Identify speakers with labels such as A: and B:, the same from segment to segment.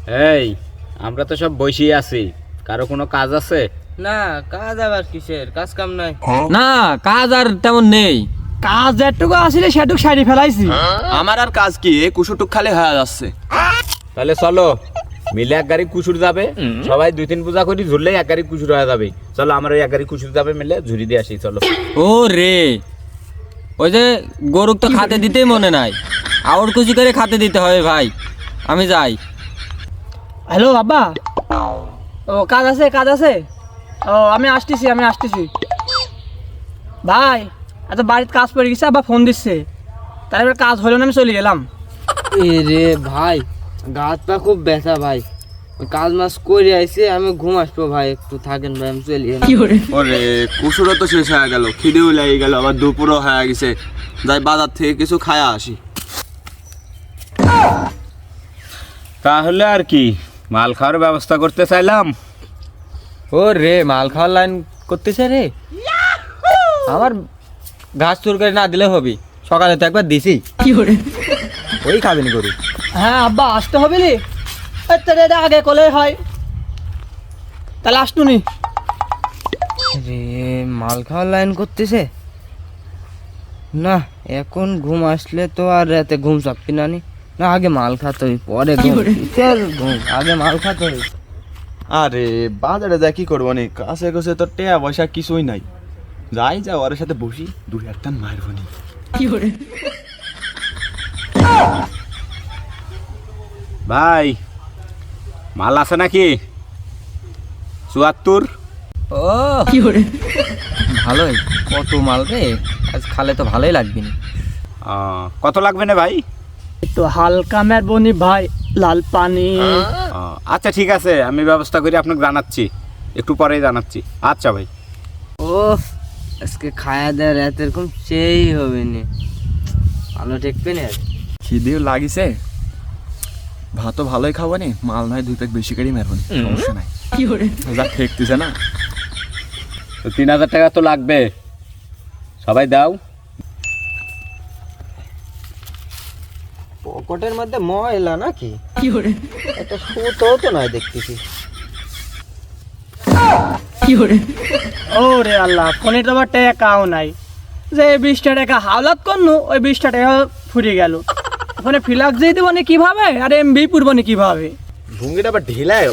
A: এই আমরা তো সব বসেই আছি, কারো কোনো কাজ আছে?
B: না, কাজ আবার কিসের? কাজ কাম নাই।
C: না, কাজ আর তেমন নেই।
D: কাজ যেটুকু আসলে সেটুকু সারি ফেলাইছি।
E: আমার আর কাজ কি, এই কুসুটুক খালি হয়ে যাচ্ছে।
A: তাহলে চলো মিলে এক গাড়ি কুসুর যাবে, সবাই 2-3 পূজা করি, ঝুললেই এক গাড়ি কুসুর হয়ে যাবে। চলো আমরা ওই এক গাড়ি কুসুর যাবে মিলে ঝুরি দিয়ে আসি। চলো।
C: ও রে, ওই যে গরুক তো খাতে দিতেই মনে নাই, আউর কুচি করে খাতে দিতে হবে ভাই। আমি যাই।
D: হ্যালো বাবা, ও কাজ আছে কাজ আছে। ও আমি আসতেছি ভাই। এত বাড়িতে কাজ পড়ে গেছে, আবার ফোন দিচ্ছে, তাহলে এবার কাজ হলো না, আমি চলে গেলাম।
B: এ রে ভাই, গা হাত পা খুব ব্যথা ভাই। ওই কাজ মাস করে আইছে, আমি ঘুম আসবো ভাই, একটু থাকেন ভাই, আমি চলি।
E: ওরে কুসুরও তো শেষ হয়ে গেল, খিদেও লেগে গেল, আবার দুপুরও হয়ে গেছে। যাই বাজার থেকে কিছু খায়া আসি।
A: তাহলে আর কি, মাল খাওয়ার ব্যবস্থা করতে চাইলাম।
C: ও রে, মাল খাওয়ার লাইন করতেছে রে। আমার ঘাস চুর করে না দিলে হবি, সকালে তো একবার দিছি। ওই খাবেন গরু।
D: হ্যাঁ আব্বা, আসতে হবে রে, এটা আগে কলে হয়, তাহলে আসতুনি।
B: রে মাল খাওয়ার লাইন করতেছে না, এখন ঘুম আসলে তো আর রাতে ঘুম চাপবি না নি। না, আগে মাল খাতে হই, পরে ঘুম। আগে মাল খাতে হই।
E: আরে বাজারে যা কি করবো নি, কাছে কাছে তো টেয়া পয়সা কিছুই নাই। যাই যা ওর সাথে বসি, 2-1 টান মারবো নি।
A: ভাই মাল আছে নাকি? 74।
C: ও ভালোই, কত মাল রে, আজ খালে তো ভালোই লাগবে না।
A: কত লাগবে না ভাই?
D: একটু হালকা মেরবনি ভাই, লাল পানি।
A: আচ্ছা ঠিক আছে, আমি ব্যবস্থা করে আপনাকে জানাচ্ছি, একটু পরেই জানাচ্ছি। আচ্ছা ভাই।
B: ও আজকে খায়া দেয় রাত এরকম সেই হবে নি, ভালো ঠেকবে না।
E: খিদেও লাগিছে, ভাতও ভালোই খাবো নি, মাল নয় 2 প্যাক বেশি করে মারবো নি, সমস্যা নাই। যা ঠেকতেছে না।
A: তো 3000 টাকা তো লাগবে, সবাই দাও।
B: পকেটের মধ্যে ময়লা নাকি? একটা সুতো তো নয় দেখতেছি।
D: ও রে আল্লাহ, ফোনে তো আবার টাকাও নাই, যে 20টা টাকা হাওলাত করনু, ওই 20টা টাকা ফুরিয়ে গেল। ফোনে ফিলাক্স দিয়ে দেবো কিভাবে, আর এমবি পুরবো কিভাবে?
E: ভুঙ্গিটা আবার ঢিলায়।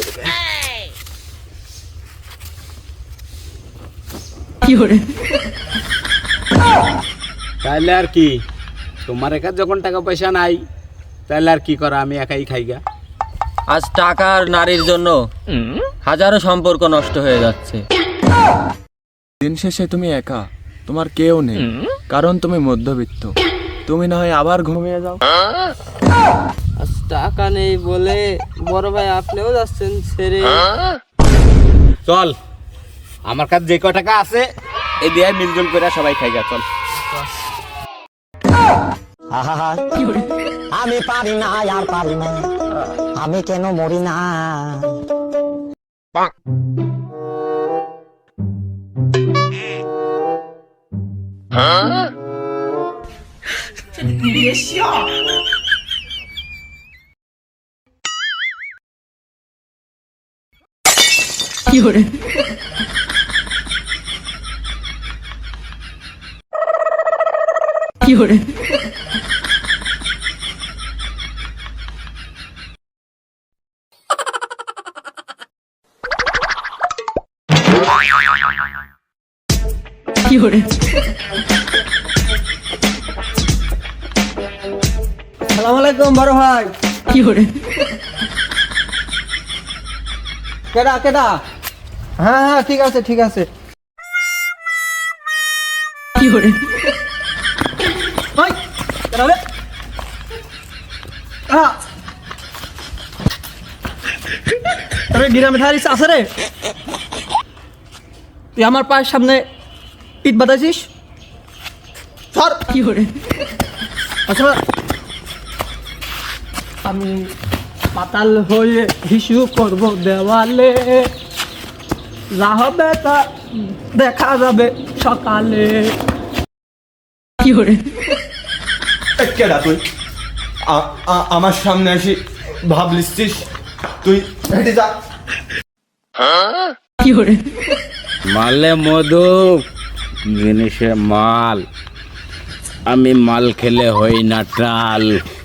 A: তাহলে আর কি, তোমার কাছে যখন টাকা পয়সা নাই, তাহলে আর কি করা, আমি একাই খাইগা।
C: আজ টাকা আর নারীর জন্য হাজারো সম্পর্ক নষ্ট হয়ে যাচ্ছে।
E: দিন শেষে তুমি একা, তোমার কেউ নেই, কারণ তুমি মধ্যবিত্ত। তুমি না হয় আবার ঘুমিয়ে যাও।
B: আজ টাকা নেই বলে বড় ভাই আপনিও যাচ্ছেন ছেড়ে।
A: চল, আমার কাছে যে কয় টাকা আছে এই দিয়ে মিলজুল করে সবাই খাইগা। চল।
F: আমি পারি না আর পারি না, আমি কেন মরি না।
D: সালাম আলাইকুম বড় ভাই। কেডা কেডা? হ্যাঁ হ্যাঁ, ঠিক আছে ঠিক আছে। ওই, কেডা রে? তবে গ্রামে থারিস আছে রে, তুই আমার পায়ের সামনে ইট বাতাইছিস। সর। আচ্ছা, আমি পাতাল হয়ে হিসু করবো দেওয়ালে, যা হবে তা দেখা যাবে সকালে।
E: কেডা তুই আমার সামনে আসি ভাবলিস? তুই হেঁটে যা।
A: মালে মধু জিনিসে মাল, আমি মাল খেলে হই না টাল।